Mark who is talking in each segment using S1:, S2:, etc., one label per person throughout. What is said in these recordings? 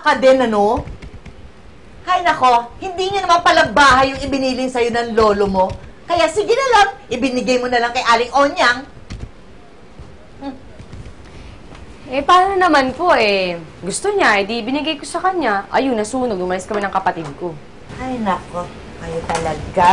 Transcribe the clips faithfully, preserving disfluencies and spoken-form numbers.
S1: ka din, ano? Hay nako, hindi niya naman pala bahay yung ibinilin sa'yo ng lolo mo. Kaya sige na lang, ibinigay mo na lang kay Aling Onyang.
S2: Hmm. Eh, paano naman po eh? Gusto niya, eh, di binigay ko sa kanya. Ayun, nasunog, umalis kami ng kapatid ko.
S1: Ay nako, kayo talaga.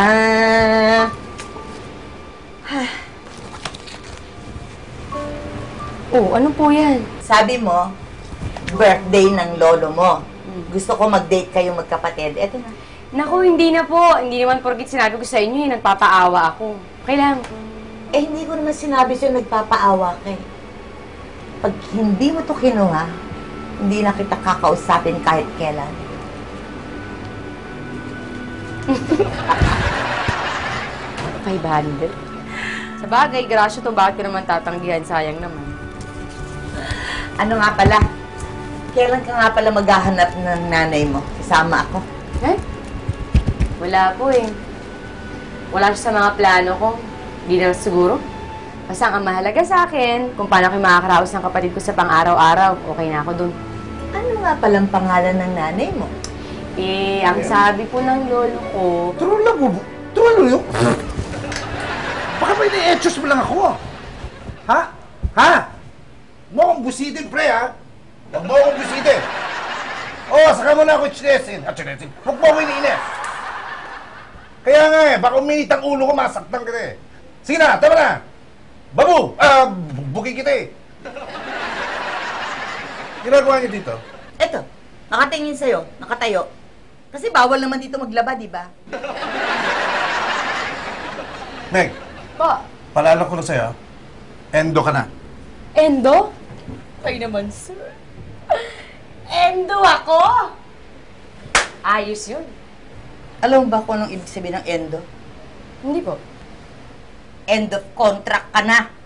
S2: Oh, ano po yan?
S1: Sabi mo, birthday ng lolo mo. Gusto ko mag-date kayong magkapatid. Eto na.
S2: Naku, hindi na po. Hindi naman porkit sinabi ko sa inyo, eh, nagpapaawa ako. Okay lang.
S1: Eh, hindi ko naman sinabi sa'yo nagpapaawa ka eh. Pag hindi mo to kinuha, hindi na kita kakausapin kahit kailan.
S2: five hundred? Sa bagay, grasyo to. Bakit ko naman tatanggihan? Sayang naman.
S1: Ano nga pala? Kailan ka nga pala maghahanap ng nanay mo? Kasama ako.
S2: Eh? Wala po eh. Wala siya sa mga plano ko. Hindi na siguro. Basta ang mahalaga sa akin, kung paano ko makakaraos ng kapatid ko sa pang-araw-araw, okay na ako dun.
S1: Ano nga palang pangalan ng nanay mo?
S2: Eh, ang sabi po ng lolo ko...
S3: Turuan lang, bubo. Turuan lang yun. Baka may na-etchos mo lang ako. Ha? Ha? Huwag mo akong busitin, pre, ha? Huwag mo akong busitin. Oo, saka mo na ako chinesin. At chinesin. Huwag mo ako iniinis. Kaya nga eh, baka uminit ang ulo ko, masaktan ka na eh. Sige na, tama na. Babu! Ah, bukin kita eh. Ginagawa niyo dito?
S1: Eto, nakatingin sa'yo, nakatayo. Kasi bawal naman dito maglaba, di ba?
S3: Meg,
S2: Po,
S3: paalala ko na sa'yo, endo ka na.
S2: Endo? Ay naman, sir. Endo ako? Ayos yun.
S1: Alam mo ba kung anong ibig sabihin ng endo?
S2: Hindi po.
S1: End of contract ka na.